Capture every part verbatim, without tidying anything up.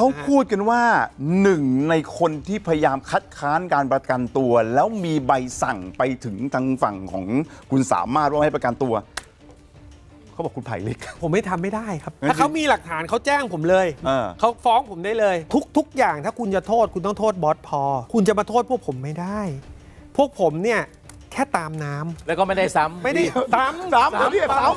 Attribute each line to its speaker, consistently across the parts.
Speaker 1: เขาพูดกันว่าหนึ่งในคนที่พยายามคัดค้านการประกันตัวแล้วมีใบสั่งไปถึงทางฝั่งของคุณสามารถว่าให้ประกันตัวเขาบอกคุณไผ่เล็ก
Speaker 2: ผมไม่ทำไม่ได้ครับถ้าเขามีหลักฐานเขาแจ้งผมเลยเขาฟ้องผมได้เลยทุกทุกอย่างถ้าคุณจะโทษคุณต้องโทษบอสพอคุณจะมาโทษพวกผมไม่ได้ พวกผมเนี่ยแค่ตามน้ำ
Speaker 3: แล้วก็ไม่ได้ซ้ำ
Speaker 2: ไม่ได้ซ้ำ
Speaker 1: ซ้ำเขาเรียกซ้ำ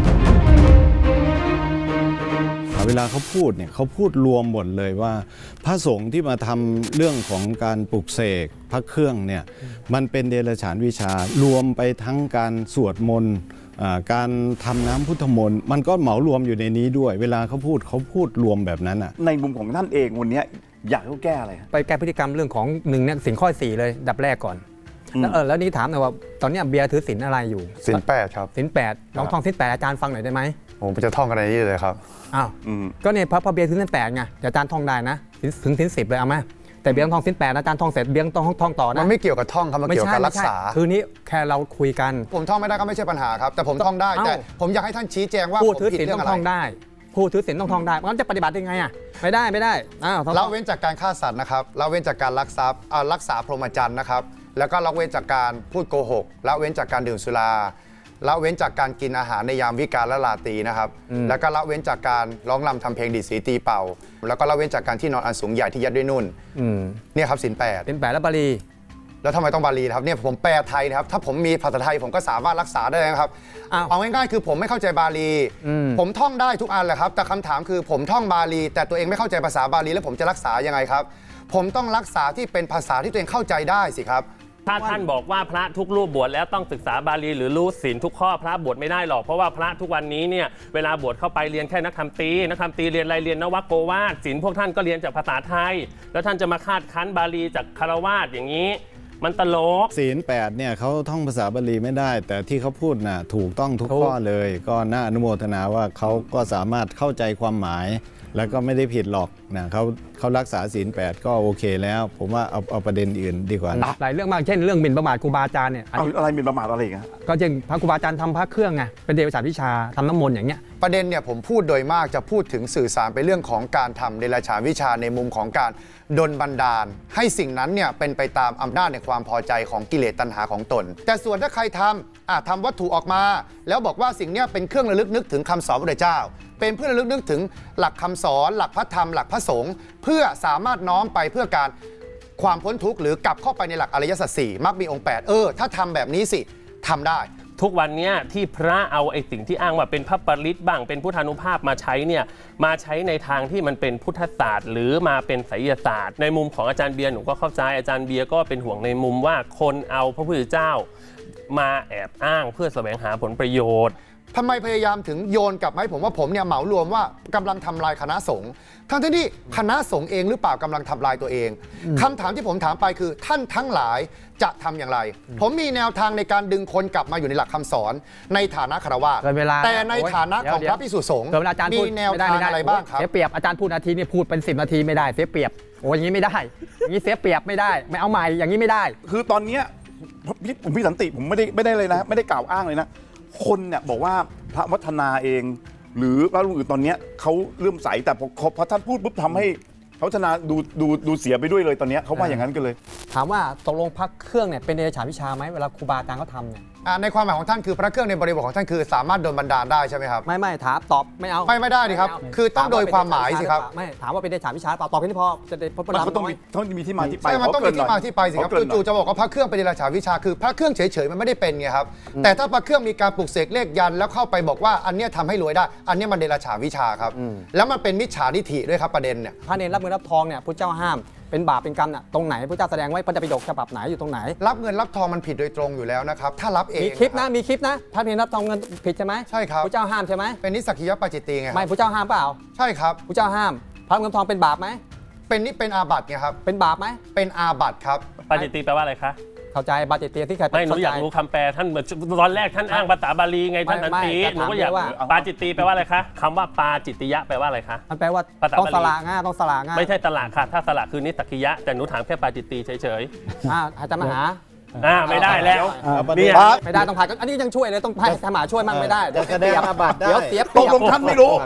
Speaker 4: เวลาเขาพูดเนี่ยเขาพูดรวมหมดเลยว่าพระสงฆ์ที่มาทำเรื่องของการปลุกเสกพระเครื่องเนี่ยมันเป็นเดรัจฉานวิชารวมไปทั้งการสวดมนต์การทำน้ำพุทธมนต์มันก็เหมารวมอยู่ในนี้ด้วยเวลาเขาพูดเขาพูดรวมแบบนั้นอ่ะ
Speaker 1: ในมุมของท่านเองวันนี้อยากให้เขาแก้อะไร
Speaker 5: ไปแก้พฤติกรรมเรื่องของหนึ่งเนี่ยสินข้อสี่เลยดับแรกก่อนแล้วเออแล้วนี่ถามหน่อยว่าตอนนี้เบียร์ถือสินอะไรอยู่
Speaker 6: สินแปดครับ
Speaker 5: สินแปดลองท่องสินแปดอาจารย์ฟังหน่อยได้ไหม
Speaker 6: ผมจะท่องกันในนี้เลยครับ
Speaker 5: อ้าวก็เนี่ยพระเบียร์ถือสินแปดไงเดี๋ยวอาจารย์ท่องได้นะถึงสินสิบเลยเอาไหมแต่เบียร์ท่องสินแปดอาจารย์ท่องเสร็จเบียร์ต้องท่องต่อนะ
Speaker 6: มันไม่เกี่ยวกับท่องครับมันเกี่ยวกับรักษา
Speaker 5: คือนี้แค่เราคุยกัน
Speaker 6: ผมท่องไม่ได้ก็ไม่ใช่ปัญหาครับแต่ผมท่องได้แต่ผมอยากให้ท่านชี้แจงว่า
Speaker 5: ผู้ถือศีลต้องท่องได้ผู้ถือศีลต้องท่องได้มันจะปฏิบัติยังไงอ่ะไม่ได้ไม่ได้อ้าว
Speaker 6: ละเว้นจากการฆ่าสัตว์นะครับละเว้นจากการลักทรัพย์รักษาพรหมจรรย์นะครับแล้วก็ละเว้นจากการพูดโกหกละเว้นจากการดื่มสุราละเว้นจากการกินอาหารในยามวิกาลและราตรีนะครับแล้วก็ละเว้นจากการร้องรำทำเพลงดีดสีตีเป่าแล้วก็ละเว้นจากการที่นอนอันสูงใหญ่ที่ยัดด้วยนุ่นเนี่ยครับศีลแปด
Speaker 5: ศีลแปดและบาลี
Speaker 6: แล้วทำไมต้องบาลีครับเนี่ยผมแปลไทยนะครับถ้าผมมีภาษาไทยผมก็สามารถรักษาได้นะครับเอาง่ายๆคือผมไม่เข้าใจบาลีผมท่องได้ทุกอันแหละครับแต่คำถามคือผมท่องบาลีแต่ตัวเองไม่เข้าใจภาษาบาลีแล้วผมจะรักษายังไงครับผมต้องรักษาที่เป็นภาษาที่ตัวเองเข้าใจได้สิครับ
Speaker 3: ถ้าท่านบอกว่าพระทุกรูปบวชแล้วต้องศึกษาบาลีหรือรู้ศีลทุกข้อพระบวชไม่ได้หรอกเพราะว่าพระทุกวันนี้เนี่ยเวลาบวชเข้าไปเรียนแค่นักธรรมตรีนักธรรมตรีเรียนอะไรเรียนนวโกวาทศีลพวกท่านก็เรียนจากภาษาไทยแล้วท่านจะมาคาดคั้นบาลีจากคารวาสอย่างนี้มันตลก
Speaker 4: ศีลแปดเนี่ยเขาท่องภาษาบาลีไม่ได้แต่ที่เขาพูดน่ะถูกต้องทุกข้อเลยก็น่าอนุโมทนาว่าเขาก็สามารถเข้าใจความหมายแล้วก็ไม่ได้ผิดหรอกนะเขาเขารักษาศีลแปดก็โอเคแล้วผมว่าเอาเอาประเด็นอื่นดีกว่า
Speaker 5: หลายเรื่องมากเช่นเรื่องหมิ่นประมาทครูบาอาจารย์เนี่ย
Speaker 1: อะไรหมิ่นประมาทอะไรกัน
Speaker 5: ก็เช่นพระครูบาอาจารย์ทำพระเครื่องไงเป็นเดรัจฉานวิชาทำน้ำมนต์อย่างเงี้ย
Speaker 6: ประเด็นเนี่ยผมพูดโดยมากจะพูดถึงสื่อสารไปเรื่องของการทำเดรัจฉานวิชาในมุมของการดลบันดาลให้สิ่งนั้นเนี่ยเป็นไปตามอำนาจในความพอใจของกิเลสตัณหาของตนแต่ส่วนถ้าใครทำอ่ะทำวัตถุออกมาแล้วบอกว่าสิ่งนี้เป็นเครื่องระลึกนึกถึงคำสอนพระพุทธเจ้าเป็นเพื่อระลึกนึกถึงหลักคำสอนหลักพระธรรมหลักพระสงฆ์เพื่อสามารถน้อมไปเพื่อการความพ้นทุกข์หรือกลับเข้าไปในหลักอริยสัจสี่มรรคมีองค์แปดเออถ้าทำแบบนี้สิทำได้
Speaker 3: ทุกวันนี้ที่พระเอาไอ้สิ่งที่อ้างว่าเป็นพระปริตบ้างเป็นพุทธานุภาพมาใช้เนี่ยมาใช้ในทางที่มันเป็นพุทธศาสตร์หรือมาเป็นไสยศาสตร์ในมุมของอาจารย์เบียร์หนูก็เข้าใจอาจารย์เบียร์ก็เป็นห่วงในมุมว่าคนเอาพระพุทธเจ้ามาแอบอ้างเพื่อแสวงหาผลประโยชน์
Speaker 6: ทำไมพยายามถึงโยนกลับมาให้ผมว่าผมเนี่ยเหมารวมว่ากำลังทำลายคณะสงฆ์ทั้งที่คณะสงฆ์เองหรือเปล่ากำลังทำลายตัวเองคำถามที่ผมถามไปคือท่านทั้งหลายจะทำอย่างไรผมมีแนวทางในการดึงคนกลับมาอยู่ในหลักคำสอนในฐานะฆราวาสแต่ในฐานะของพระภิกษุสงฆ์มีแนวทางอะไรบ้างครับ
Speaker 5: เสียเปรียบอาจารย์พูดนาทีนี่พูดเป็นสิบนาทีไม่ได้เสียเปรียบโอ้ยอย่างนี้ไม่ได้อย่างนี้เสียเปรียบไม่ได้ไม่เอาใหม่อย่างนี้ไม่ได้
Speaker 1: คือตอนเนี้ยผมพี่สันติผมไม่ได้ไม่ได้เลยนะไม่ได้กล่าวอ้างเลยนะคนเนี่ยบอกว่าพระวัฒนาเองหรือพระรูปอื่นตอนนี้เขาเลื่อมใสแต่พอพอท่านพูดปุ๊บทำให้พระวัฒนาดูดูดูเสียไปด้วยเลยตอนนี้เขาว่าอย่างนั้นกันเลย
Speaker 5: ถามว่าตกลงพระเครื่องเนี่ยเป็นเดรัจฉานวิชาไหมเวลาครูบาอาจารย์เขาทำเนี่ย
Speaker 6: ในความหมายของท่านคือพระเครื่องในบริบทของท่านคือสามารถโดนบันดาลได้ใช่ไหมครับ
Speaker 5: ไม่ไม่ถามตอบไม่เอา
Speaker 6: ไม่ไม่ได้ดิครับคือต้องโดยความหมายสิครับ
Speaker 5: ไม่ถามว่าเป็นเดรัจฉานวิชาเปล่าตอบแค่นี้พอจะได้พบ
Speaker 1: มันต้องมีต้องมีที่มาที่ไป
Speaker 6: ใช่มันต้องมีที่มาที่ไปสิครับจู่ๆจะบอกว่าพระเครื่องเป็นเดรัจฉานวิชาคือพระเครื่องเฉยๆมันไม่ได้เป็นไงครับแต่ถ้าพระเครื่องมีการปลุกเสกเลขยันแล้วเข้าไปบอกว่าอันนี้ทำให้รวยได้อันนี้มันเดรัจฉานวิชาครับแล้วมันเป็นมิจฉาทิฏฐิด้วยครับประเด็นเนี่ย
Speaker 5: พระเนรรับเงินรับทองเนี่ยพระเจ้าห้ามเป็นบาปเป็นกรรมน่ะตรงไหนพระเจ้าแสดงไว้พระไตรปิฎกฉบับไหนอยู่ตรงไหน
Speaker 6: รับเงินรับทองมันผิดโดยตรงอยู่แล้วนะครับถ้ารับเอง
Speaker 5: มีคลิปนะมีคลิปนะพระเนรรับทองเงินผิดใช่ไหม
Speaker 6: ใช่ครับ
Speaker 5: พระเจ้าห้ามใช่ไหม
Speaker 6: เป็นนิสกิยปาจิตติไง
Speaker 5: ไม่พระเจ้าห้ามเปล่า
Speaker 6: ใช่ครับ
Speaker 5: พระเจ้าห้ามพระเงินทองเป็นบาปไหม
Speaker 6: เป็นนี่เป็นอาบัติไงครับ
Speaker 5: เป็นบาปไหม
Speaker 6: เป็นอาบัติครับ
Speaker 3: ปาจิตติแปลว่าอะไรคะ
Speaker 5: เข้าใจบาจิตติที่ใคร
Speaker 3: ไม่หนูอยากรู้คำแปลท่านตอนแรกท่านอ้างภาษาบาลีไงท่านสันติหนูก็อยากปาจิตติแปลว่าอะไรคะคำว่าปาจิตติยะแปลว่าอะไรคะ
Speaker 5: มันแปลว่าต้องสละง่าต้องสละง่า
Speaker 3: ไม่ใช่สละค่ะถ้าสละคือนิสกิยะแต่หนูถามแค่ปาจิตติเฉย
Speaker 5: ๆอ่าอาจารย์มหา
Speaker 3: อ่าไม่ได้แล้ว
Speaker 5: นี่ไม่ได้ต้องผ่านอันนี้ยังช่วยเลยต้องให้ธรรมะช่วยมั่งไม่ได้
Speaker 4: เดี๋ยวแสดงอาบัติได้
Speaker 5: เดี๋ยวเสียเป
Speaker 1: รียบตกลงท่านไม่รู้อ้าว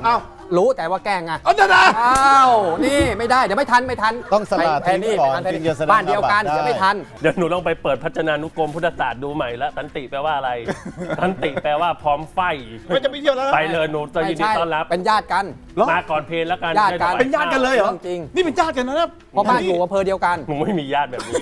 Speaker 5: รู้แต่ว่าแกล้งไง
Speaker 1: เอาเดี๋ยวนะ
Speaker 5: อ้าวนี่ไม่ได้เดี๋ยวไม่ทันไม่ทัน
Speaker 4: ต้องสละ
Speaker 5: แพ้นี่
Speaker 4: ทิ้งก่อน
Speaker 5: แพ้
Speaker 4: ถึ
Speaker 5: นี่
Speaker 4: งจะแสดง
Speaker 5: บ้านเดียวกัน
Speaker 4: อาบัติได้
Speaker 5: เดี๋ยวไม่ทัน
Speaker 3: เดี๋ยวหนูลองไปเปิดพจนานุกรมพุทธศาสตร์ดูใหม่แล้วสันติแปลว่าอะไร สันติแปลว่าพร้อมไฟ
Speaker 1: ไม่จะไปเที่ยวแล้วนะ
Speaker 3: ไปเลยหนูจะยินดี
Speaker 5: ไม่ใช่
Speaker 3: ต้อนรับ
Speaker 5: เป็นญาติกัน
Speaker 1: เหรอ
Speaker 3: มาก่อนเพลแล้วกัน
Speaker 5: ญาติกัน
Speaker 3: ได้ถว
Speaker 1: เป็นญาติกันเลยเหรอ
Speaker 5: จริง
Speaker 1: นี่เป็นญาติกันนะ
Speaker 5: เพราะบ้านอยู่อำเภอเดียวกัน
Speaker 3: หนูไม่มีญาติแบบนี้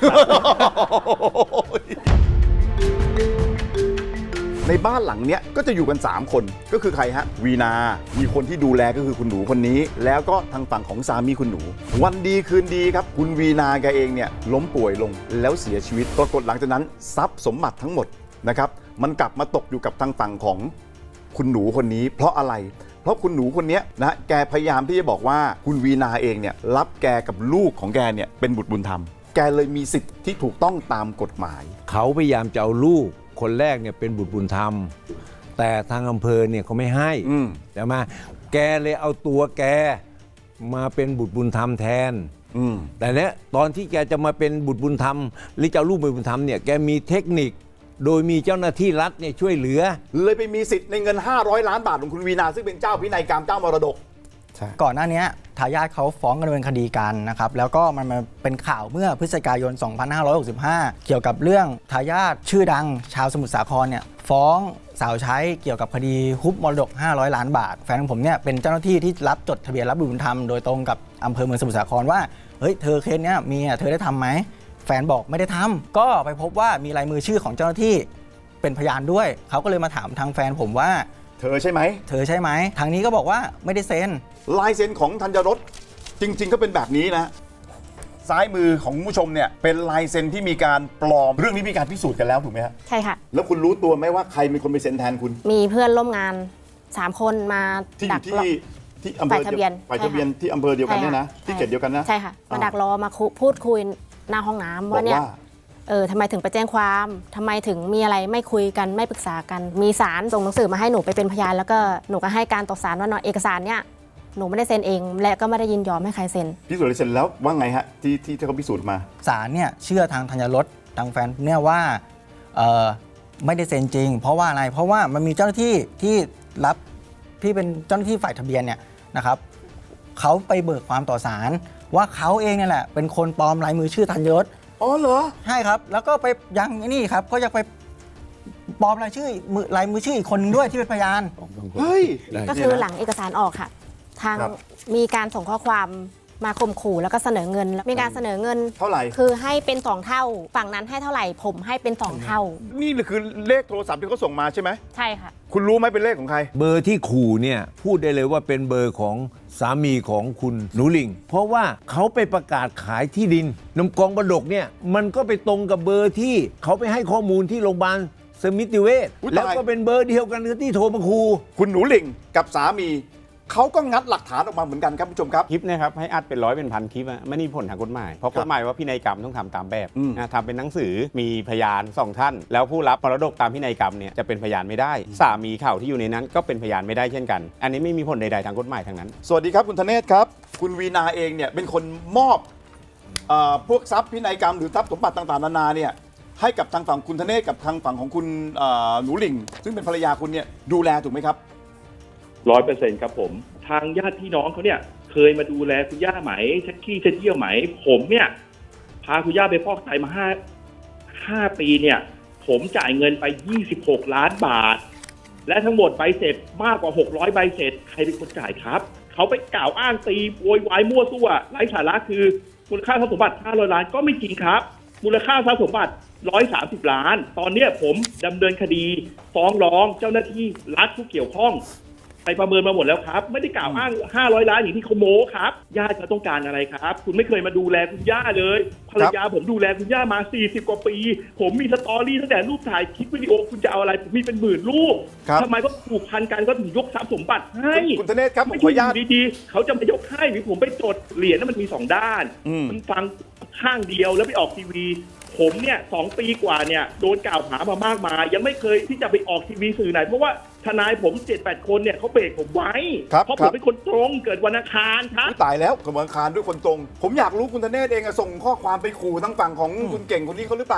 Speaker 1: ในบ้านหลังเนี้ยก็จะอยู่กัน สาม คนก็คือใครฮะวีนา มีคนที่ดูแลก็คือคุณหนูคนนี้ แล้วก็ทางฝั่งของสามีคุณหนู วันดีคืนดีครับคุณวีนาแกเองเนี่ยล้มป่วยลงแล้วเสียชีวิตปรากฏหลังจากนั้นทรัพย์สมบัติทั้งหมดนะครับมันกลับมาตกอยู่กับทางฝั่งของคุณหนูคนนี้ เพราะอะไร เพราะคุณหนูคนนี้นะแกพยายามที่จะบอกว่าคุณวีนาเองเนี่ยรับแกกับลูกของแกเนี่ยเป็นบุตรบุญธรรมแกเลยมีสิทธิ์ที่ถูกต้องตามกฎหมาย
Speaker 7: เขาพยายามจะเอาลูกคนแรกเนี่ยเป็นบุตรบุญธรรม แต่ทางอำเภอเนี่ยเขาไม่ให้
Speaker 1: อืม
Speaker 7: แต่มาแกเลยเอาตัวแกมาเป็นบุตรบุญธรรมแทน
Speaker 1: อืม
Speaker 7: แต่เนี้ยตอนที่แกจะมาเป็นบุตรบุญธรรมหรือจะเอาลูกเป็นบุญธรรมเนี่ยแกมีเทคนิคโดยมีเจ้าหน้าที่รัฐเนี่ยช่วยเหลือ
Speaker 1: เลยไปมีสิทธิ์ในเงินห้าร้อยล้านบาทของคุณวีนาซึ่งเป็นเจ้าพินัยกรรมเจ้ามรดก
Speaker 8: ก่อนหน้านี้ทายาทเขาฟ้องกันเป็นคดีกันนะครับแล้วก็มันมาเป็นข่าวเมื่อพฤศจิกายน สองพันห้าร้อยหกสิบห้า เกี่ยวกับเรื่องทายาทชื่อดังชาวสมุทรสาครเนี่ยฟ้องสาวใช้เกี่ยวกับคดีฮุบมรดกห้าร้อยล้านบาทแฟนของผมเนี่ยเป็นเจ้าหน้าที่ที่รับจดทะเบียนรับบุตรบุญธรรมโดยตรงกับอำเภอเมืองสมุทรสาครว่าเฮ้ยเธอเคสเนี้ยมีอ่ะเธอได้ทำไหมแฟนบอกไม่ได้ทำก็ไปพบว่ามีลายมือชื่อของเจ้าหน้าที่เป็นพยานด้วยเขาก็เลยมาถามทางแฟนผมว่า
Speaker 1: เธอใช่ไหม
Speaker 8: เธอใช่ไหมทางนี้ก็บอกว่าไม่ได้เซ็น
Speaker 1: ลายเซ็นของธัญรสจริง ๆ ก็เป็นแบบนี้นะ ซ้ายมือของคุณผู้ชมเนี่ยเป็นลายเซ็นที่มีการปลอมเรื่องนี้มีการพิสูจน์กันแล้วถูกไหมฮะ
Speaker 9: ใช่ค่ะ
Speaker 1: แล้วคุณรู้ตัวไหมว่าใครเป็นคนไปเซ็นแทนคุณ
Speaker 9: มีเพื่อนร่วมงานสามคนมา
Speaker 1: ที่อ
Speaker 9: ดัก
Speaker 1: ยู่
Speaker 9: รอ
Speaker 1: ที่ที่อำเภอ
Speaker 9: ฝ่ายทะเบียน
Speaker 1: ฝ่ายทะเบียน
Speaker 9: ใช่ค่ะ
Speaker 1: ที่อำเภอเดียวกันเนี่ยนะ
Speaker 9: ใช่ค่ะ
Speaker 1: ที่เขตเดียวกันนะ
Speaker 9: ใช่ค่ะ มา
Speaker 1: อ่า
Speaker 9: ดักรอมาคุพูดคุยหน้าห้องน้ำ
Speaker 1: บอก
Speaker 9: ว่าเนี่ย
Speaker 1: ว่า
Speaker 9: เออทำไมถึงไปแจ้งความทำไมถึงมีอะไรไม่คุยกันไม่ปรึกษากัน มีศาลส่งหนังสือมาให้หนูไปเป็นพยานแล้วก็หนูก็ให้การต่อศาลว่าเนาะเอกสารเนี่ยหนูไม่ได้เซ็นเอง และก็ไม่ได้ยินยอมให้ใครเซ็น
Speaker 1: พิสูจน์ลายเซ็นแล้วว่าไงฮะที่ที่ที่เขาพิสูจน์มา
Speaker 8: ศาลเนี่ยเชื่อทางธัญรสทางแฟนเนี่ยว่าเอ่อไม่ได้เซ็นจริง เพราะว่าอะไรเพราะว่ามันมีเจ้าหน้าที่ที่รับที่เป็นเจ้าหน้าที่ฝ่ายทะเบียนเนี่ยนะครับเขาไปเบิกความต่อศาลว่าเขาเองเนี่ยแหละเป็นคนปลอมลายมือชื่อธัญรส
Speaker 1: อ๋อเหรอ
Speaker 8: ใช่ครับแล้วก็ไปยังไอ้นี่ครับก็ยังไปปลอมลายชื่อมือลายมือชื่ออีกคนนึงด้วยที่เป็นพยาน
Speaker 1: เฮ้ย
Speaker 9: ก็คือหลังเอกสารออกค่ะ ทาง
Speaker 1: ครับ
Speaker 9: มีการส่งข้อความมาข่มขู่แล้วก็เสนอเงิน มีการเสนอเงิน
Speaker 1: เท่าไหร่
Speaker 9: คือให้เป็นสองเท่า ฝั่งนั้นให้เท่าไหร่ผมให้เป็นสองเท่า
Speaker 1: นี่คือเลขโทรศัพท์ที่เขาส่งมาใช่ไหม
Speaker 9: ใช่ค่ะ
Speaker 1: คุณรู้ไหมเป็นเลขของใคร
Speaker 7: เบอร์ที่ขู่เนี่ยพูดได้เลยว่าเป็นเบอร์ของสามีของคุณหนูหลิง เพราะว่าเขาไปประกาศขายที่ดินนมกองบดกเนี่ยมันก็ไปตรงกับเบอร์ที่เขาไปให้ข้อมูลที่โรงพยาบาลสมิติเวช
Speaker 1: อุ๊ยตาย
Speaker 7: แล้วก็เป็นเบอร์เดียวกันกับที่โทรมาขู่
Speaker 1: คุณหนูหลิงกับสามีเขาก็งัดหลักฐานออกมาเหมือนกันครับผู้ชมครับ
Speaker 10: คลิปเนะครับให้อัดเป็นร้อยเป็นพันคลิปอะไม่มีผลทางกฎหมาย เพราะ
Speaker 1: ครับ
Speaker 10: กฎหมายว่าพินัยกรรมต้องทำตามแบบ
Speaker 1: อืม
Speaker 10: นะทำเป็นหนังสือมีพยานสองท่าน แล้วผู้รับมรดกตามพินัยกรรมเนี่ยจะเป็นพยานไม่ได้ สามีเขาที่อยู่ในนั้นก็เป็นพยานไม่ได้เช่นกัน อันนี้ไม่มีผลใดๆทางกฎหมายทางนั้น
Speaker 1: สวัสดีครับคุณธเนศครับ คุณวีนาเองเนี่ยเป็นคนมอบเออพวกทรัพย์พินัยกรรมหรือทรัพย์สมบัติต่างๆนานาเนี่ยให้กับทางฝั่งคุณธเนศกับทางฝั่งของคุณเอ่อหนูหลิง ซึ่งเป็นภรรยาคุณเนี่ยดูแลถูกไหมครับ
Speaker 11: ร้อยเปอร์เซ็นต์ครับผม ทางญาติพี่น้องเขาเนี่ยเคยมาดูแลคุณย่าไหมเช็ดขี้เช็ดเยี่ยวไหม ผมเนี่ยพาคุณย่าไปฟอกไตมาห้าห้าปีเนี่ย ผมจ่ายเงินไปยี่สิบหกล้านบาท และทั้งหมดใบเสร็จมากกว่าหกร้อยใบเสร็จใครเป็นคนจ่ายครับ เขาไปกล่าวอ้างตีโวยวายมั่วซั่วไร้สาระคือมูลค่าทรัพย์สมบัติห้าร้อยล้านก็ไม่จริงครับ มูลค่าทรัพย์สมบัติหนึ่งร้อยสามสิบล้าน ตอนเนี้ยผมดำเนินคดีฟ้องร้องเจ้าหน้าที่รัฐผู้เกี่ยวข้อง ไปประเมินมาหมดแล้วครับ ไม่ได้กล่าวอ้างห้าร้อยล้านอย่างที่เขาโม้ครับญาติเขาต้องการอะไรครับ คุณไม่เคยมาดูแลคุณย่าเลยภรรยาผมดูแลคุณย่ามาสี่สิบกว่าปี ผมมีสตอรี่ตั้งแต่รูปถ่ายคลิปวิดีโอคุณจะเอาอะไรผมมีเป็นหมื่นรูป
Speaker 1: ครับ
Speaker 11: ทำไมก็ผูกพันกันก็ถึงยกทรัพย์สมบัติให้
Speaker 1: คุณธเนศครับผม
Speaker 11: ไม่
Speaker 1: ขอ
Speaker 11: ใช่
Speaker 1: อนุญาต
Speaker 11: อยู่ดีๆเขาจะมายกให้หรือผมไปจดเหรียญนั้นมันมีสองด้าน
Speaker 1: อืม
Speaker 11: มันฟังข้างเดียวแล้วไปออกทีวี ผมเนี่ยสองปีกว่าเนี่ยโดนกล่าวหามามากมาย ยังไม่เคยที่จะไปออกทีวีสื่อไหน เพราะว่าทนายผมเจ็ดแปดคนเนี่ยเขาเบรกผมไว้
Speaker 1: ครับ
Speaker 11: เพราะ
Speaker 1: ค
Speaker 11: ผ
Speaker 1: รั
Speaker 11: ม
Speaker 1: บ
Speaker 11: เป็นคนตรงเกิดวันอังคารครับ
Speaker 1: อุ๊ยตายแล้วกระบวนการด้วยคนตรง ผมอยากรู้คุณธเนศเองอะส่งข้อความไปขู่ทั้งฝั่งของคุณเก่งคนนี้เขาหรือเปล่า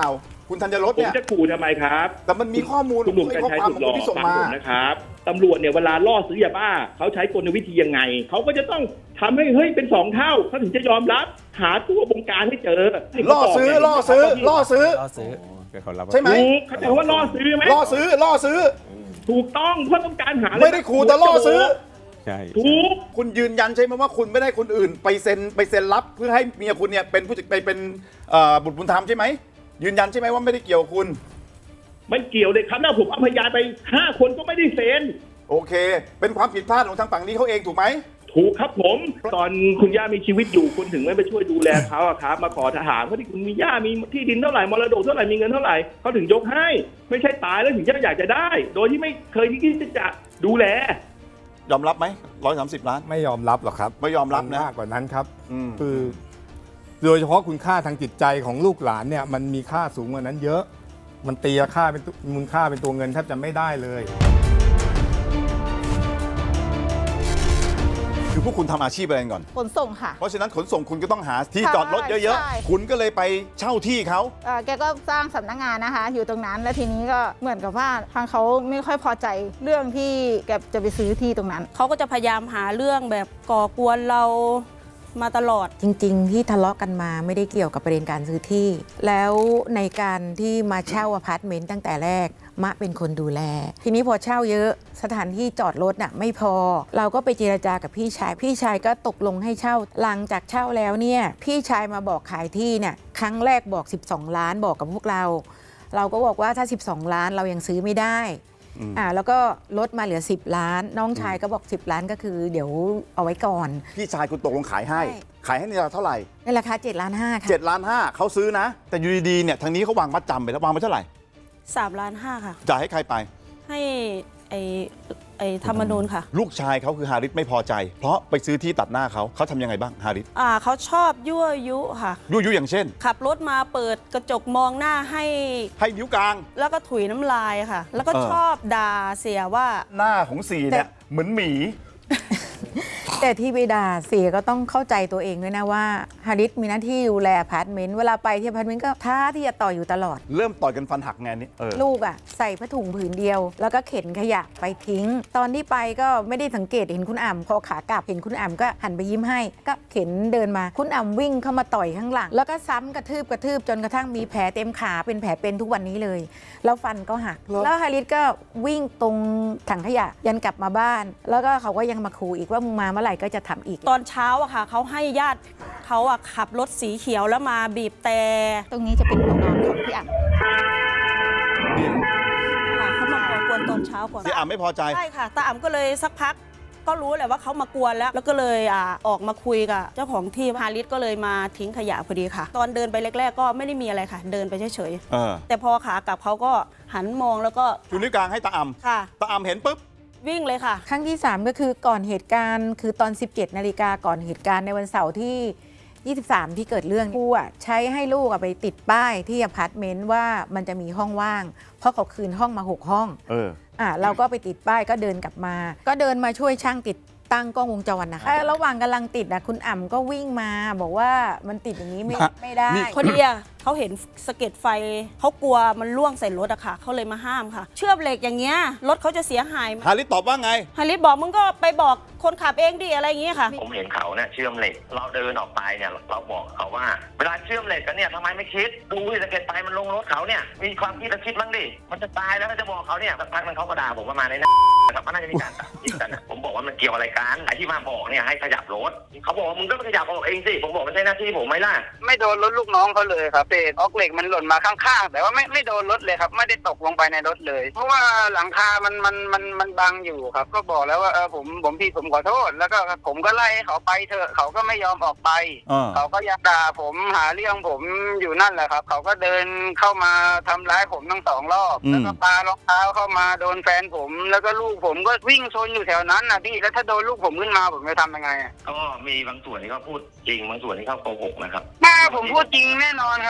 Speaker 1: คุณธัญรส
Speaker 11: ผม
Speaker 1: เนี่ย
Speaker 11: จะขู่ทำไมครับ
Speaker 1: แต่มันมีข้อมูล
Speaker 11: คุณหนุ่ม
Speaker 1: ไอ้
Speaker 11: กัญ
Speaker 1: ข้อ
Speaker 11: ชัย
Speaker 1: ความ
Speaker 11: สุด
Speaker 1: ของ
Speaker 11: หล่อ
Speaker 1: ที่ส่ง
Speaker 11: ฟัง
Speaker 1: มา
Speaker 11: ผมนะครับตำรวจเนี่ยเวลาล่อซื้อยาบ้าเขาใช้กลวิธียังไงเขาก็จะต้องทำให้เฮ้ยเป็นสองเท่าเขาถึงจะยอมรับหาตัวบงการให้เจอให้เขา
Speaker 1: ล่อซื้อ
Speaker 11: บก
Speaker 1: ล่อซื้อล่อซื้อ
Speaker 8: ล่อซื้อ
Speaker 1: ใช่ไหม
Speaker 11: ถูกเขาใจว่าล่อซื้อไหม
Speaker 1: ล่อซื้อล่อซื้อ
Speaker 11: ถูกต้องเพราะต้องการหา
Speaker 1: ไม่ได้ขู่แต่ล่อซื้อ
Speaker 10: ใช่
Speaker 11: ถูก
Speaker 1: คุณยืนยันใช่ไหมว่าคุณไม่ได้คนอื่น ไปเซ็นไปเซ็นรับเพื่อให้เมียคุณเนี่ยเป็นผู้จัดไปเป็นเอ่อบุตรบุญธรรมใช่ไหมยืนยันใช่ไหมว่าไม่ได้เกี่ยวกับคุณ
Speaker 11: ไม่เกี่ยวเลยครับถ้าผมเอาพยานไปห้าคนก็ไม่ได้เซ็น
Speaker 1: โอเค เป็นความผิดพลาดของทางฝั่งนี้เขาเองถูกไหม
Speaker 11: ถูกครับผม ตอนคุณย่ามีชีวิตอยู่คุณถึงไม่ไปช่วยดูแลเขาอะครับ มาขอทหารเพราะที่คุณมีย่ามีที่ดินเท่าไหร่มรดกเท่าไหร่มีเงินเท่าไหร่เขาถึงยกให้ ไม่ใช่ตายแล้วถึงจะอยากจะได้ โดยที่ไม่เคยที่จะดูแล
Speaker 1: ยอมรับไหมร้อยสามสิบล้าน
Speaker 12: ไม่ยอมรับหรอกครับ
Speaker 1: ไม่ยอมรับนะ
Speaker 12: มากกว่านั้นครับ
Speaker 1: อืม
Speaker 12: คือ โดยเฉพาะคุณค่าทางจิตใจของลูกหลานเนี่ยมันมีค่าสูงกว่านั้นเยอะ มันตีราคาเป็นมูลค่าเป็นตัวเงินแทบจะไม่ได้เลย
Speaker 1: คือพวกคุณทำอาชีพอะไรกันก่อน
Speaker 13: ขนส่งค่ะ
Speaker 1: เพราะฉะนั้นขนส่งคุณก็ต้องหาที่
Speaker 13: ใช่
Speaker 1: จอดรถเยอะ
Speaker 13: ใช่
Speaker 1: ๆ คุณก็เลยไปเช่าที่เขา
Speaker 13: เอ่อแกก็สร้างสำนักงานนะคะ อยู่ตรงนั้น แล้วทีนี้ก็เหมือนกับว่าทางเขาไม่ค่อยพอใจเรื่องที่แกจะไปซื้อที่ตรงนั้น
Speaker 14: เขาก็จะพยายามหาเรื่องแบบก่อกวนเรามาตลอด
Speaker 15: จริงๆ ที่ทะเลาะกันมาไม่ได้เกี่ยวกับประเด็นการซื้อที่ แล้วในการที่มาเช่าอพาร์ตเมนต์ตั้งแต่แรกมะเป็นคนดูแล ทีนี้พอเช่าเยอะสถานที่จอดรถน่ะไม่พอ เราก็ไปเจรจากับพี่ชาย พี่ชายก็ตกลงให้เช่าหลังจากเช่าแล้วเนี่ยพี่ชายมาบอกขายที่เนี่ยครั้งแรกบอกสิบสองล้านบอกกับพวกเรา เราก็บอกว่าถ้าสิบสองล้านเรายังซื้อไม่ได้อ่าแล้วก็ลดมาเหลือสิบล้าน น้องชายก็บอกสิบล้านก็คือเดี๋ยวเอาไว้ก่อน
Speaker 1: พี่ชายคุณตกลงขายให้
Speaker 15: ใช่
Speaker 1: ขายให้ในราคาเท่าไหร่
Speaker 15: ในราคาเจ็ดล้านห้าค่ะ
Speaker 1: เจ็ดล้านห้าเขาซื้อนะ แต่อยู่ดีๆเนี่ยทางนี้เขาวางมัดจำไปแล้ววางไปเท่าไหร่
Speaker 14: สามล้านห้าค่ะ
Speaker 1: จ่ายให้ใครไป
Speaker 14: ให้ไอ้ไอ้ธรรมนูญค่ะ
Speaker 1: ลูกชายเขาคือฮาริสไม่พอใจ เพราะไปซื้อที่ตัดหน้าเขาเขาทำยังไงบ้างฮาริส
Speaker 14: อ่าเขาชอบยั่วยุค่ะ
Speaker 1: ยั่วยุอย่างเช่น
Speaker 14: ขับรถมาเปิดกระจกมองหน้าให้
Speaker 1: ให้นิ้วกลาง
Speaker 14: แล้วก็ถุยน้ำลายค่ะ แล้วก็
Speaker 1: เออ
Speaker 14: ชอบด่าเสียว่า
Speaker 1: หน้าของสีเนี่ยเหมือนหมี
Speaker 15: แต่ที่ไปด่าเสียก็ต้องเข้าใจตัวเองด้วยนะว่าฮาริสมีหน้าที่ดูแลอพาร์ตเมนต์เวลาไปที่อพาร์ตเมนต์ก็ท้าที่จะต่ออยู่ตลอด
Speaker 1: เริ่มต่อยกันฟันหักไงนี่เออ
Speaker 15: ลูกอ่ะใส่ผ้าถุงผืนเดียว แล้วก็เข็นขยะไปทิ้ง ตอนที่ไปก็ไม่ได้สังเกตเห็นคุณอ่ำพอขากลับเห็นคุณอ่ำก็หันไปยิ้มให้ ก็เข็นเดินมาคุณอ่ำวิ่งเข้ามาต่อยข้างหลัง แล้วก็ซ้ำกระทืบกระทืบจนกระทั่งมีแผลเต็มขาเป็นแผลเป็นทุกวันนี้เลย แล้วฟันก็หัก แล้วฮาริสก็วิ่งตรงถังขยะยันกลับมาบ้าน แล้วก็เขาก็ยังมาขู่อีกว่ามึงมาเมื่อไหร่ก็จะทำอีก
Speaker 14: ตอนเช้าอะค่ะเขาให้ญาติเขาอะขับรถสีเขียวแล้วมาบีบแต่
Speaker 13: ตรงนี้จะเป็นหัวนอนของพี่อ่ำ
Speaker 14: ค่ะเขามาก่อกวนตอนเช้าก่อน
Speaker 1: ที่อ่ำไม่พอใจ
Speaker 14: ใช่ค่ะตาอ่ำก็เลยสักพักก็รู้แหละว่าเขามากวนแล้ว แล้วก็เลยอ่าออกมาคุยกับเจ้าของที่ฮาริสก็เลยมาทิ้งขยะพอดีค่ะ ตอนเดินไปแรกๆก็ไม่ได้มีอะไรค่ะ เดินไปเฉย
Speaker 1: เออ
Speaker 14: ๆแต่พอขากลับเขาก็หันมองแล้วก็
Speaker 1: ชูนิ้วกลางให้ตาอ่
Speaker 14: ค่ะ
Speaker 1: ำตาอ่ำเห็นปุ๊บ
Speaker 14: วิ่งเลยค่ะ
Speaker 15: ครั้งที่ สาม ก็คือก่อนเหตุการณ์คือตอน สิบเจ็ดนาฬิกาก่อนเหตุการณ์ในวันเสาร์ที่ ยี่สิบสาม ที่เกิดเรื่องครูอ่ะใช้ให้ลูกอ่ะไปติดป้ายที่อพาร์ตเมนต์ว่ามันจะมีห้องว่าง เพราะเขาคืนห้องมาหกห้อง
Speaker 1: เออ
Speaker 15: อ่ะเราก็ไปติดป้ายก็เดินกลับมา ก็เดินมาช่วยช่างติดตั้งกล้องวงจรนะคะเอ้ยระหว่างกำลังติดอ่ะคุณอ่ำก็วิ่งมาบอกว่ามันติดอย่างนี้ไม่
Speaker 1: ฮะ
Speaker 15: ไม่ได้
Speaker 14: พอดีอะเขาเห็นสะเก็ดไฟเขากลัวมันล่วงใส่รถอะค่ะเขาเลยมาห้ามค่ะ เชื่อมเหล็กอย่างเงี้ยรถเขาจะเสียหาย
Speaker 1: ฮาริสตอบว่าไง
Speaker 14: ฮาริสบอกมึงก็ไปบอกคนขับเองดิอะไรอย่างเงี้ยค่ะ
Speaker 16: ผมเห็นเขาเนี่ยเชื่อมเหล็ก เราเดินออกไปเนี่ยเราบอกเขาว่า เวลาเชื่อมเหล็กกันเนี่ยทำไมไม่คิด ดูสะเก็ดไฟมันลงรถเขาเนี่ยมีความคิดจะคิดบ้างดิมันจะตายแล้วก็จะบอกเขาเนี่ยสักพักมันเขาก็ด่าผมประมาณนี้นะครับมันน่าจะมีการตัดสินกันนะผมบอกว่ามันเกี่ยวอะไรกันไอ้ที่มาบอกเนี่ยให้ขยับรถเขาบอกว่ามึงก็ไปขยับออกเองสิผมบอกมันใช่หน้าที่ผมไหมล่ะ
Speaker 17: ไม่โดนรถลูกน้องเขาเลยครับเศษออกเหล็กมันหล่นมาข้างๆแต่ว่าไม่ไม่โดนรถเลยครับไม่ได้ตกลงไปในรถเลย เพราะว่าหลังคา มันมันมันมันบังอยู่ครับก็บอกแล้วว่าเออผมผมผิดผมขอโทษแล้วก็ผมก็ไล่ให้เขาไปเถอะเขาก็ไม่ยอมออกไป
Speaker 1: อ่า
Speaker 17: เขาก็ยังด่าผมหาเรื่องผมอยู่นั่นแหละครับเขาก็เดินเข้ามาทำร้ายผมทั้งสองรอบ
Speaker 1: อืม
Speaker 17: แล้วก็ปารองเท้าเข้ามาโดนแฟนผมแล้วก็ลูกผมก็วิ่งชนอยู่แถวนั้นนะพี่แล้วถ้าโดนลูกผมขึ้นมาผมจะทำยังไงอะ
Speaker 16: ก็มีบางส่วนที่เขาพูดจริงบางส่วนที่เขาโกหกนะครับ
Speaker 17: ถ้าผมพูดจริงแน่นอนครับ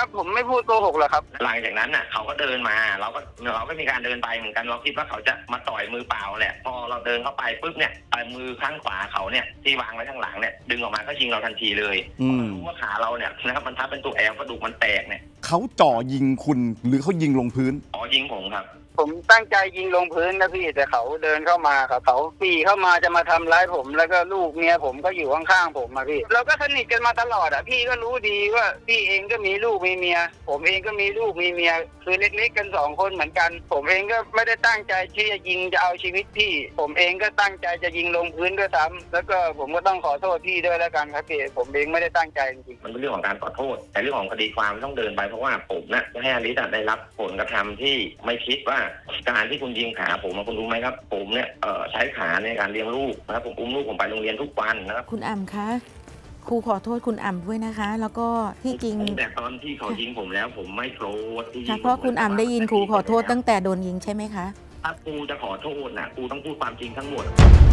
Speaker 17: ผมไม่พูดโกหกหรอกครับ
Speaker 16: หลังจากนั้นน่ะเขาก็เดินมาเราก็เราก็มีการเดินไปเหมือนกันเราคิดว่าเขาจะมาต่อยมือเปล่าแหละพอเราเดินเข้าไปปุ๊บเนี่ยมือข้างขวาเขาเนี่ยที่วางไว้ข้างหลังเนี่ยดึงออกมาก็ยิงเราทันทีเลยรู้ว่าขาเราเนี่ยนะครับมันทับเป็นตัวแอลกระดูกมันแตกเนี่ย
Speaker 1: เขาจ่อยิงคุณหรือเขายิงลงพื้น
Speaker 16: อ๋อยิงผมครับ
Speaker 17: ผมตั้งใจยิงลงพื้นนะพี่แต่เขาเดินเข้ามาครับเขาปรีเข้ามาจะมาทำร้ายผมแล้วก็ลูกเมียผมก็อยู่ข้างๆผมมาพี่เราก็สนิทกันมาตลอดอ่ะพี่ก็รู้ดีว่าพี่เองก็มีลูกมีเมียผมเองก็มีลูกมีเมียคือเล็กๆกันสองคนเหมือนกันผมเองก็ไม่ได้ตั้งใจที่จะยิงจะเอาชีวิตพี่ผมเองก็ตั้งใจจะยิงลงพื้นด้วยซ้ำแล้วก็ผมก็ต้องขอโทษพี่ด้วยแล้วกันครับพี่ผมเองไม่ได้ตั้งใจจริงๆ
Speaker 16: มันเป็นเรื่องของการขอโทษแต่เรื่องของคดีความต้องเดินไปเพราะว่าผมนะให้อลิซได้รับผลกระทำที่ไม่คิดว่าการที่คุณยิงขาผมคุณรู้ไหมครับผมเนี่ยใช้ขาในการเลี้ยงลูกนะครับผมอุ้มลูกผมไปโรงเรียนทุกวันนะครับ
Speaker 15: คุณอ่ำคะครูขอโทษคุณอ่ำด้วยนะคะแล้วก็ที่จริง
Speaker 16: แต่ตอนที่เขายิงผมแล้วผมไม่โกรธที่
Speaker 15: เพราะคุณอ่ำได้ยินครูขอโทษตั้งแต่โดนยิงใช่ไหมคะ
Speaker 16: ถ้าครูจะขอโทษนะครูต้องพูดความจริงทั้งหมด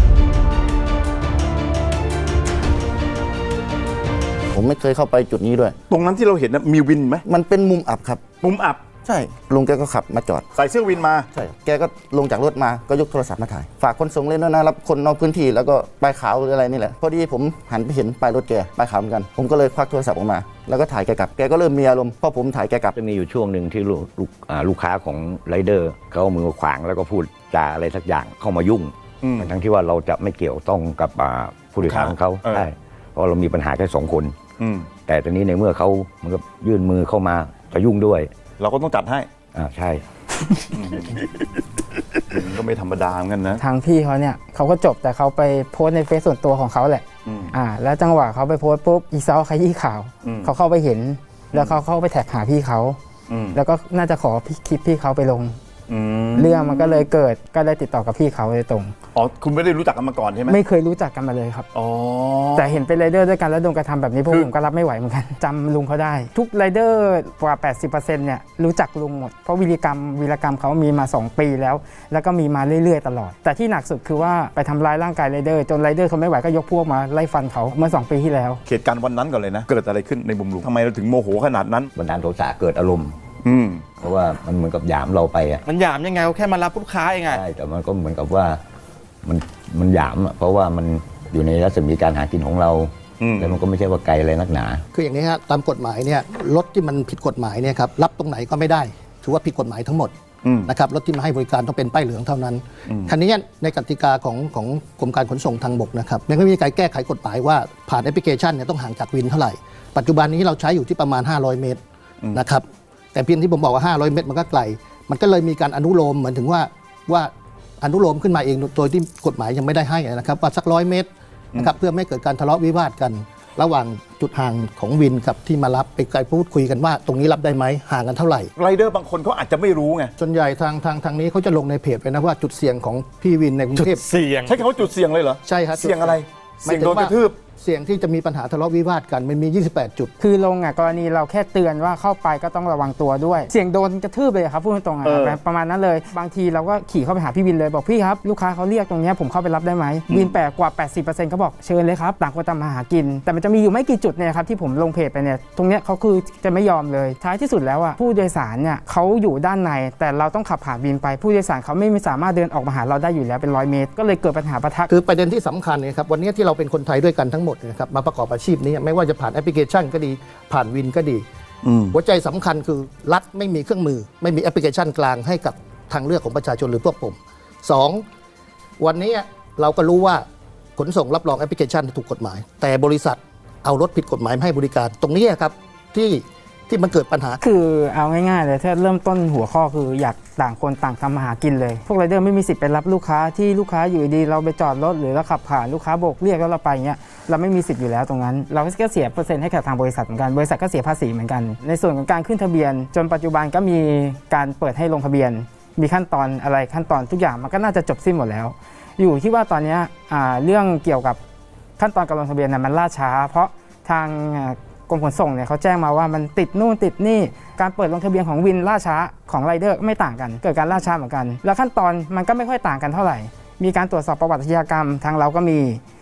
Speaker 18: ผมไม่เคยเข้าไปจุดนี้ด้วย
Speaker 1: ตรงนั้นที่เราเห็นนะมีวินไหม
Speaker 18: มันเป็นมุมอับครับ
Speaker 1: มุมอับ
Speaker 18: ใช่ลุงแกก็ขับมาจอด
Speaker 1: ใส่เสื้อวินมา
Speaker 18: ใช่แกก็ลงจากรถมาก็ยกโทรศัพท์มาถ่ายฝากคนส่งเล่นด้วยนะรับคนนอกพื้นที่แล้วก็ป้ายขาวหรืออะไรนี่แหละพอดีผมหันไปเห็นป้ายรถแกป้ายขาวเหมือนกันผมก็เลยควักโทรศัพท์ออกมาแล้วก็ถ่ายแกกลับแกก็เริ่มมีอารมณ์พอผมถ่ายแกกลับ
Speaker 19: จะมีอยู่ช่วงหนึ่งที่ลูกลูกลูกค้าของไรเดอร์เขาเอามือขวางแล้วก็พูดจาอะไรสักอย่างเข้ามายุ่งทั้งที่ว่าเราจะไม่เกี่ยวต้องกับผู้โดยสารของเขาใช่เพราะเรามีปัญหาแค่สองคนแต่ตอนนี้ในเมื่อเขาเหมือนกับยื่นมือเข้ามาจะยุ่งด้วย
Speaker 1: เราก็ต้องจัดให้
Speaker 19: อ่าใช่
Speaker 1: ก็ไม่ธรรมดาเหมือนกันนะ
Speaker 5: ทางพี่เขาเนี่ยเขาก็จบแต่เขาไปโพสในเฟซส่วนตัวของเขาแหละอ่าแล้วจังหวะเขาไปโพสปุ๊บอีซอขยี้ข่าวเขาเข้าไปเห็นแล้วเขาเข้าไปแท็กหาพี่เขาแล้วก็น่าจะขอคลิปพี่เขาไปลงเรื่องมันก็เลยเกิดก็ได้ติดต่อกับพี่เขาโดยตรง
Speaker 1: อ๋อคุณไม่ได้รู้จักกันมาก่อนใช่ไหม
Speaker 5: ไม่เคยรู้จักกันมาเลยครับอ๋อแต่เห็นเป็นไรเดอร์ด้วยกันแล้วโดนกระทำแบบนี้พวกผมก็รับไม่ไหวเหมือนกันจำลุงเขาได้ทุกไรเดอร์กว่า แปดสิบเปอร์เซ็นต์ เนี่ยรู้จักลุงหมดเพราะวีรกรรมวีรกรรมเขามีมาสองปีแล้วแล้วก็มีมาเรื่อยๆตลอดแต่ที่หนักสุดคือว่าไปทำร้ายร่างกายไรเดอร์จนไรเดอร์เขาไม่ไหวก็ยกพวกมาไล่ฟันเขาเมื่อสองปีที่แล้ว
Speaker 1: เหตุการณ์วันนั้นก่อนเลยนะเกิดอะไรขึ้นในมุมลุงทำไมเราถึงโมโหขนาดนั้น
Speaker 19: บันดาลโทสะเกิดอารมณ์เพราะว่ามันเหมือนกับหยามเราไปอ่ะ
Speaker 18: มันหยามยังไงแค่มารับลูกค้าเองไง
Speaker 19: ใช่แต่มันก็เหมือนกับว่ามันมันหยามอ่ะเพราะว่ามันอยู่ในรัศมีการหากินของเราแล้วมันก็ไม่ใช่ว่าไกลอะไรนักหนา
Speaker 20: คืออย่างนี้ฮะตามกฎหมายเนี่ยรถที่มันผิดกฎหมายเนี่ยครับรับตรงไหนก็ไม่ได้ถือว่าผิดกฎหมายทั้งหมดนะครับรถที่มาให้บริการต้องเป็นป้ายเหลืองเท่านั้นคันนี้ในกติกาของของกรมการขนส่งทางบกนะครับยังไม่มีการแก้ไขกฎหมายว่าผ่านแอปพลิเคชันเนี่ยต้องห่างจากวินเท่าไหร่ปัจจุบันนี้เราใช้อยู่ที่ประมาณห้าร้อยเมตรนะครับแต่เพียงที่ผมบอกว่าห้าร้อยเมตรมันก็ไกลมันก็เลยมีการอนุโลมเหมือนถึงว่าว่าอนุโลมขึ้นมาเองโดยที่กฎหมายยังไม่ได้ให้นะครับว่าสักร้อยเมตรนะครับเพื่อไม่เกิดการทะเลาะวิวาทกันระหว่างจุดห่างของวินกับที่มารับไปไกลพูดคุยกันว่าตรงนี้รับได้ไหมห่างกันเท่าไหร่
Speaker 1: ไรเดอร์บางคนเขาอาจจะไม่รู้ไง
Speaker 20: ส่วนใหญ่ทางทางทางนี้เขาจะลงในเพจไปนะว่าจุดเสี่ยงของพี่วินในกรุงเทพ
Speaker 1: เสี่ยงใช้คำว่าจุดเสี่ยงเลยเหรอ
Speaker 20: ใช่ครับ
Speaker 1: เสี่ยงอะไรเสี่ยงโดนกระทืบ
Speaker 20: เสี่ยงที่จะมีปัญหาทะเลาะวิวาทกันมันมียี่สิบแปดจุด
Speaker 5: คือลงอ่ะกรณีเราแค่เตือนว่าเข้าไปก็ต้องระวังตัวด้วยเสี่ยงโดนกระทืบเลยครับพูดตรงๆอ่ะประมาณนั้นเลยบางทีเราก็ขี่เข้าไปหาพี่วินเลยบอกพี่ครับลูกค้าเขาเรียกตรงนี้ผมเข้าไปรับได้ไหมวินแปลกกว่า แปดสิบเปอร์เซ็นต์ เขาบอกเชิญเลยครับต่างคนต่างมาหากินแต่มันจะมีอยู่ไม่กี่จุดเนี่ยครับที่ผมลงเพจไปเนี่ยตรงเนี้ยเขาคือจะไม่ยอมเลยท้ายที่สุดแล้วอ่ะผู้โดยสารเนี่ยเขาอยู่ด้านในแต่เราต้องขับผ่านวินไปผู้โดยสารเขาไม่สามารถเดินออกมาหาเราได้อยู่แล้วเป็นร้อยเมตรก็เลยเกิดปัญหาปะทะ
Speaker 20: คือประเด็นที่สำคัญเนี่ยครับวันนี้ที่เราเป็นคนไทยด้วยกันทั้งหมดนะครับมาประกอบอาชีพนี้ไม่ว่าจะผ่านแอปพลิเคชันก็ดีผ่านวินก็ดีหัวใจสำคัญคือรัฐไม่มีเครื่องมือไม่มีแอปพลิเคชันกลางให้กับทางเลือกของประชาชนหรือพวกผมสองวันนี้เราก็รู้ว่าขนส่งรับรองแอปพลิเคชันถูกกฎหมายแต่บริษัทเอารถผิดกฎหมายมาให้บริการตรงนี้ครับที่ที่มันเกิดปัญหา
Speaker 5: คือเอาง่ายๆเลยถ้าเริ่มต้นหัวข้อคืออยากต่างคนต่างทำมาหากินเลยพวกไรเดอร์ไม่มีสิทธิ์ไปรับลูกค้าที่ลูกค้าอยู่ดีเราไปจอดรถหรือเราขับผ่านลูกค้าโบกเรียกแล้วเราไปเงี้ยเราไม่มีสิทธิ์อยู่แล้วตรงนั้นเราก็เสียเปอร์เซ็นต์ให้กับทางบริษัทเหมือนกันบริษัทก็เสียภาษีเหมือนกันในส่วนของการขึ้นทะเบียนจนปัจจุบันก็มีการเปิดให้ลงทะเบียนมีขั้นตอนอะไรขั้นตอนทุกอย่างมันก็น่าจะจบสิ้นหมดแล้วอยู่ที่ว่าตอนนี้เรื่องเกี่ยวกับขั้นตอนการลงทะเบียนนั้นมันล่าช้าเพราะทางกรมขนส่งเนี่ยเขาแจ้งมาว่ามันติดนู่นติดนี่การเปิดลงทะเบียนของวินล่าช้าของไรเดอร์ไม่ต่างกันเกิดการล่าช้าเหมือนกันแล้วขั้นตอนมันก็ไม่ค่อยต่างกันเท่าไหร่มีการตรวจสอบประวัติอาชญากรรมทางเราก็มี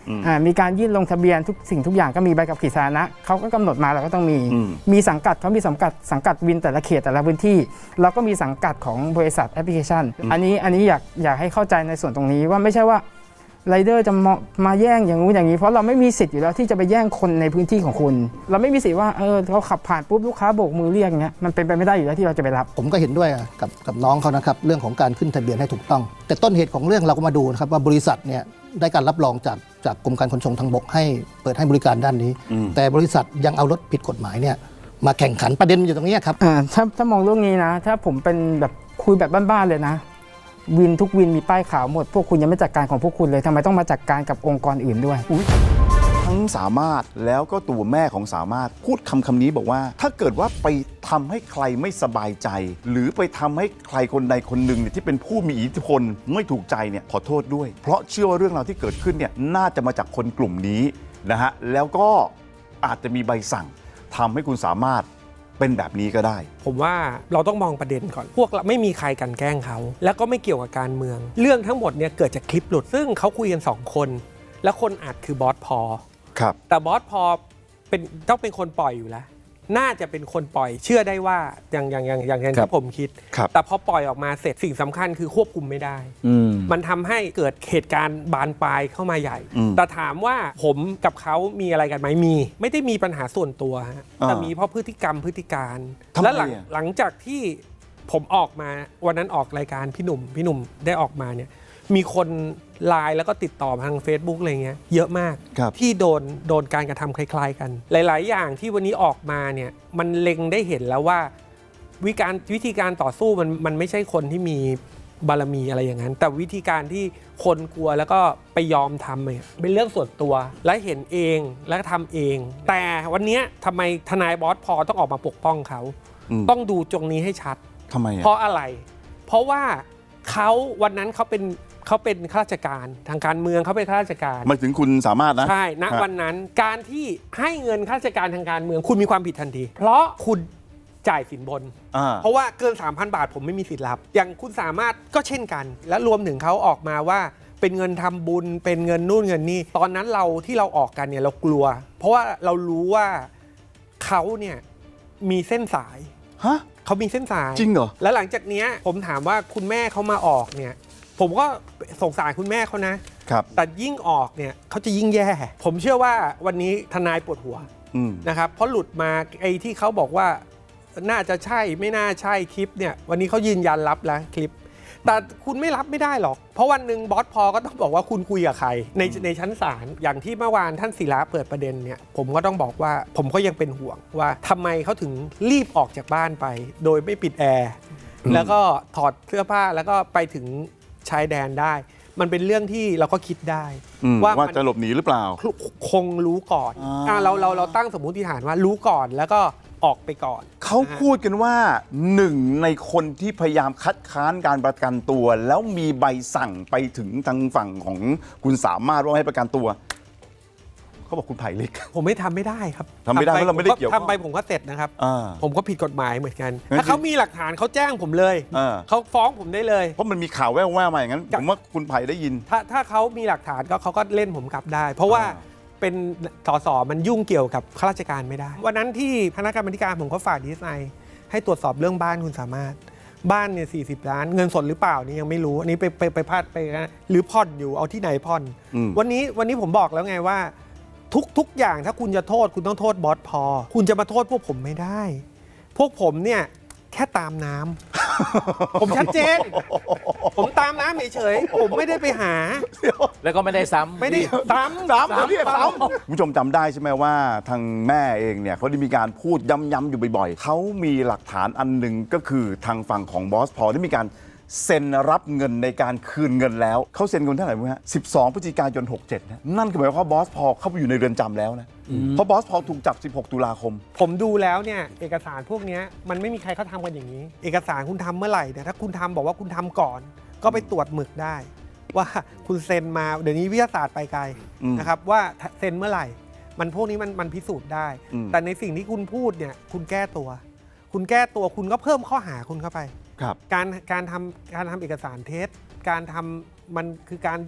Speaker 1: อืม
Speaker 5: อ่ามีการยื่นลงทะเบียนทุกสิ่งทุกอย่างก็มีใบขับขี่สาธารณะเขาก็กำหนดมาเราก็ต้องมี
Speaker 1: อืม
Speaker 5: มีสังกัดเขามีสังกัดสังกัดวินแต่ละเขตแต่ละพื้นที่เราก็มีสังกัดของบริษัทแอปพลิเคชัน อันนี้อันนี้อยากอยากให้เข้าใจในส่วนตรงนี้ว่าไม่ใช่ว่าไรเดอร์จะมามาแย่งอย่างนู้นอย่างนี้เพราะเราไม่มีสิทธิ์อยู่แล้วที่จะไปแย่งคนในพื้นที่ของคุณ เราไม่มีสิทธิ์ว่าเออเขาขับผ่านปุ๊บลูกค้าโบกมือเรียกเงี้ยมันเป็นไปไม่ได้อยู่แล้วที่เราจะไปรับ
Speaker 20: ผมก็เห็นด้วยกับกับน้องเขานะครับเรื่องของการขึ้นทะเบียนให้ถูกต้อง แต่ต้นเหตุของเรื่องเราก็มาดูนะครับว่าบริษัทเนี่ยได้การรับรองจากจากกรมการขนส่งทางบกให้เปิดให้บริการด้านนี้ แต่บริษัทยังเอารถผิดกฎหมายเนี่ยมาแข่งขันประเด็นมันอยู่ตรงนี้ครับ
Speaker 5: อ่าถ้าถ้ามองเรื่องนี้นะถ้าผมเป็นแบบคุยแบบบ้านๆเลยนะวินทุกวินมีป้ายขาวหมดพวกคุณยังไม่จัดการของพวกคุณเลยทำไมต้องมาจัดการกับองค์กรอื่นด้วย
Speaker 1: ทั้งสามารถแล้วก็ตัวแม่ของสามารถพูดคำคำนี้บอกว่า ถ้าเกิดว่าไปทำให้ใครไม่สบายใจ หรือไปทำให้ใครคนใดคนหนึ่งเนี่ยที่เป็นผู้มีอิทธิพลไม่ถูกใจเนี่ยขอโทษด้วย เพราะเชื่อว่าเรื่องราวที่เกิดขึ้นเนี่ยน่าจะมาจากคนกลุ่มนี้นะฮะแล้วก็อาจจะมีใบสั่งทำให้คุณสามารถเป็นแบบนี้ก็ได้
Speaker 2: ผมว่าเราต้องมองประเด็นก่อนพวกเราไม่มีใครกันแกล้งเขาแล้วก็ไม่เกี่ยวกับการเมือง เรื่องทั้งหมดเนี่ยเกิดจากคลิปหลุดซึ่งเขาคุยกันสองคนแล้วคนอัดคือบอสพอ
Speaker 1: ครับ
Speaker 2: แต่บอสพอเป็นต้องเป็นคนปล่อยอยู่แล้วน่าจะเป็นคนปล่อยเชื่อได้ว่าอย่างอย่างอย่างอย่างที่ผมคิด แต่พอปล่อยออกมาเสร็จสิ่งสำคัญคือควบคุมไม่ได้ มันทำให้เกิดเหตุการณ์บานปลายเข้ามาใหญ่ แต่ถามว่าผมกับเขามีอะไรกันไหมมี ไม่ได้มีปัญหาส่วนตัวฮะแต่มีเพราะพฤติกรรมพฤติการ และหลังหลังจากที่ผมออกมาวันนั้นออกรายการพี่หนุ่มพี่หนุ่มได้ออกมาเนี่ยมีคนไลน์แล้วก็ติดต่อทาง Facebook อะไรเงี้ยเยอะมากที่โดนโดนการกระทำคล้ายๆกันหลายๆอย่างที่วันนี้ออกมาเนี่ยมันเล็งได้เห็นแล้วว่าวิการวิธีการต่อสู้มันมันไม่ใช่คนที่มีบารมีอะไรอย่างนั้นแต่วิธีการที่คนกลัวแล้วก็ไปยอมทำเนี่ยเป็นเรื่องส่วนตัวและเห็นเองและทำเอง แต่วันนี้ทำไมทนายบอสพอต้องออกมาปกป้องเขาต้องดูตรงนี้ให้ชัด
Speaker 1: ทำไมอ่ะ
Speaker 2: เพราะอะไรเพราะว่าเขาวันนั้นเขาเป็นเขาเป็นข้าราชการทางการเมืองเขาเป็นข้าราชการ
Speaker 1: หมายถึงคุณสามารถนะ
Speaker 2: ใช่ณวันนั้นการที่ให้เงินข้าราชการทางการเมืองคุณมีความผิดทันทีเพราะคุณจ่ายสินบนเพราะว่าเกิน สามพัน บาทผมไม่มีสิทธิ์รับอย่างคุณสามารถก็เช่นกันและรวมถึงเขาออกมาว่าเป็นเงินทำบุญเป็นเงินนู่นเงินนี่ตอนนั้นเราที่เราออกกันเนี่ยเรากลัว เพราะว่าเรารู้ว่าเขาเนี่ยมีเส้นสาย
Speaker 1: ฮะ
Speaker 2: เขามีเส้นสาย
Speaker 1: จริงเหรอ
Speaker 2: แล้วหลังจากนี้ผมถามว่าคุณแม่เขามาออกเนี่ยผมก็สงสารคุณแม่เขานะครับ แต่ยิ่งออกเนี่ยเขาจะยิ่งแย่ ผมเชื่อว่าวันนี้ทนายปวดหัวนะครับเพราะหลุดมาไอ้ที่เขาบอกว่าน่าจะใช่ไม่น่าใช่คลิปเนี่ยวันนี้เขายืนยันรับแล้วคลิปแต่คุณไม่รับไม่ได้หรอกเพราะวันหนึ่งบอสพอก็ต้องบอกว่าคุณคุยกับใครในในชั้นศาลอย่างที่เมื่อวานท่านศิระเปิดประเด็นเนี่ยผมก็ต้องบอกว่าผมก็ยังเป็นห่วงว่าทำไมเขาถึงรีบออกจากบ้านไปโดยไม่ปิดแอร์แล้วก็ถอดเสื้อผ้าแล้วก็ไปถึงชายแดนได้มันเป็นเรื่องที่เราก็คิดได้
Speaker 1: ว่าว่าจะหลบหนีหรือเปล่า
Speaker 2: คงรู้ก่อนอ่าเราเราเราตั้งสมมุติฐานว่ารู้ก่อนแล้วก็ออกไปก่อน
Speaker 1: เขาพูดกันว่าหนึ่งในคนที่พยายามคัดค้านการประกันตัวแล้วมีใบสั่งไปถึงทางฝั่งของคุณสามารถว่าให้ประกันตัวเขาบอกคุณไผ่เล็ก
Speaker 2: ผมไม่ทำไม่ได้ครับ
Speaker 1: ทำไม่ได้เพราะเราไม่ได้เกี่ยว
Speaker 2: ทำไปผมก็เสร็จนะครับผมก็ผิดกฎหมายเหมือนกันถ้าเขามีหลักฐานเขาแจ้งผมเลยเขาฟ้องผมได้เลย
Speaker 1: เพราะมันมีข่าวแว่วๆมาอย่างนั้นผมว่าคุณไผ่ได้ยิน
Speaker 2: ถ้าถ้าเขามีหลักฐานก็เขาก็เล่นผมกลับได้เพราะว่าเป็นสสมันยุ่งเกี่ยวกับข้าราชการไม่ได้วันนั้นที่คณะกรรมการผมก็ฝากดีไซน์ให้ตรวจสอบเรื่องบ้านคุณสามารถบ้านเนี่ยสี่สิบล้านเงินสดหรือเปล่านี่ยังไม่รู้อันนี้ไปไปไปพลาดไปนะหรือผ่อนอยู่เอาที่ไหนผ่อนวันนี้วันนี้ผมบอกแล้วไงว่าทุกทุกอย่างถ้าคุณจะโทษคุณต้องโทษบอสพอคุณจะมาโทษพวกผมไม่ได้พวกผมเนี่ยแค่ตามน้ำ ผมชัดเจนผมตามน้ำเฉยๆผมไม่ได้ไปหา
Speaker 21: แล้วก็ไม่ได้ซ้ำ
Speaker 2: ไม่ได้ซ้ำ
Speaker 1: ซ้ำเรียกซ้ำคุณผู้ชมจำได้ใช่ไหมว่าทางแม่เองเนี่ยเขาได้มีการพูดย้ำๆอยู่บ่อยๆเขามีหลักฐานอันหนึ่งก็คือทางฝั่งของบอสพอได้มีการเซ็นรับเงินในการคืนเงินแล้วเขาเซ็นเงินเท่าไหร่มั้ยฮะสิบสองพฤศจิกายนหกสิบเจ็ดนะนั่นคือหมายความว่าบอสพอเข้าไปอยู่ในเรือนจำแล้วนะเพราะบอสพอถูกจับสิบหกตุลาคม
Speaker 2: ผมดูแล้วเนี่ยเอกสารพวกนี้มันไม่มีใครเขาทำกันอย่างนี้เอกสารคุณทำเมื่อไหร่เนี่ยถ้าคุณทำบอกว่าคุณทำก่อนก็ไปตรวจหมึกได้ว่าคุณเซ็นมาเดี๋ยวนี้วิทยาศาสตร์ไปไกลนะครับว่าเซ็นเมื่อไหร่มันพวกนี้มันมันพิสูจน์ได้แต่ในสิ่งที่คุณพูดเนี่ยคุณแก้ตัวคุณแก้ตัวคุณก็เพิ่มข้อหาคุณเข้าไปการการทำการทำเอกสารเท็จการทำมันคือการ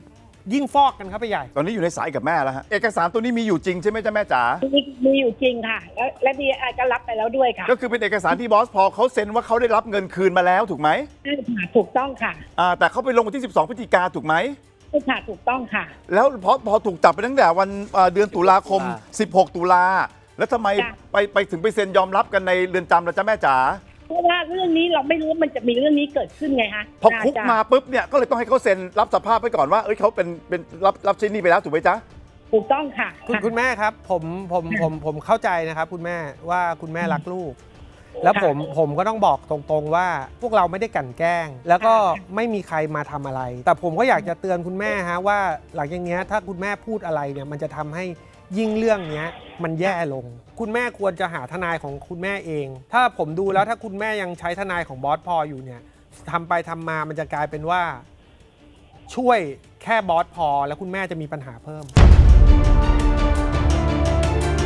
Speaker 2: ยิ่งฟอกกันเข้าไปใหญ่
Speaker 1: ตอนนี้อยู่ในสายกับแม่แล้วฮะเอกสารตัวนี้มีอยู่จริงใช่ไหมจ๊ะแม่จ๋า
Speaker 6: มีมีอยู่จริงค่ะ แล้วและดีไอก็รับไปแล้วด้วยค่ะ
Speaker 1: ก็คือเป็นเอกสารที่บอสพอเขาเซ็นว่าเขาได้รับเงินคืนมาแล้วถูกไหม
Speaker 6: ใช่ค่ะถูกต้องค่ะ
Speaker 1: อ่าแต่เขาไปลงวันที่สิบสองพฤศจิกาถูกไหม
Speaker 6: ใช่ค่ะถูกต้องค่ะ
Speaker 1: แล้วพอพอถูกจับไปตั้งแต่วันเอ่อเดือนตุลาคมสิบหกตุลาแล้วทำไม
Speaker 6: จ้ะ
Speaker 1: ไปไปถึงไปเซ็นยอมรับกันในเรือนจำล่ะจ๊ะแม่จ๋า
Speaker 6: เพราะว่าเรื่องนี้เราไม่รู้ว่ามันจะมีเรื่องนี้เกิดขึ้นไงฮะ
Speaker 1: พอคุก
Speaker 6: จ้ะ
Speaker 1: มาปุ๊บเนี่ยก็เลยต้องให้เขาเซ็นรับสภาพไปก่อนว่าเอ้ยเขาเป็นเป็นรับรับชิ้นนี้ไปแล้วถูกไหมจ๊ะ
Speaker 6: ถูกต้องค่ะ
Speaker 2: คุณคุณแม่ครับผมผมผมผมเข้าใจนะครับคุณแม่ว่าคุณแม่รักลูก แล้วผมผมก็ต้องบอกตรงๆว่าพวกเราไม่ได้กลั่นแกล้ง แล้วก็ไม่มีใครมาทำอะไร แต่ผมก็อยากจะเตือนคุณแม่ฮะว่าหลังจากนี้ถ้าคุณแม่พูดอะไรเนี่ยมันจะทำให้ยิ่งเรื่องเนี้ยมันแย่ลง คุณแม่ควรจะหาทนายของคุณแม่เอง ถ้าผมดูแล้วถ้าคุณแม่ยังใช้ทนายของบอสพออยู่เนี่ยทำไปทำมามันจะกลายเป็นว่า ช่วยแค่บอสพอแล้วคุณแม่จะมีปัญหาเพิ่ม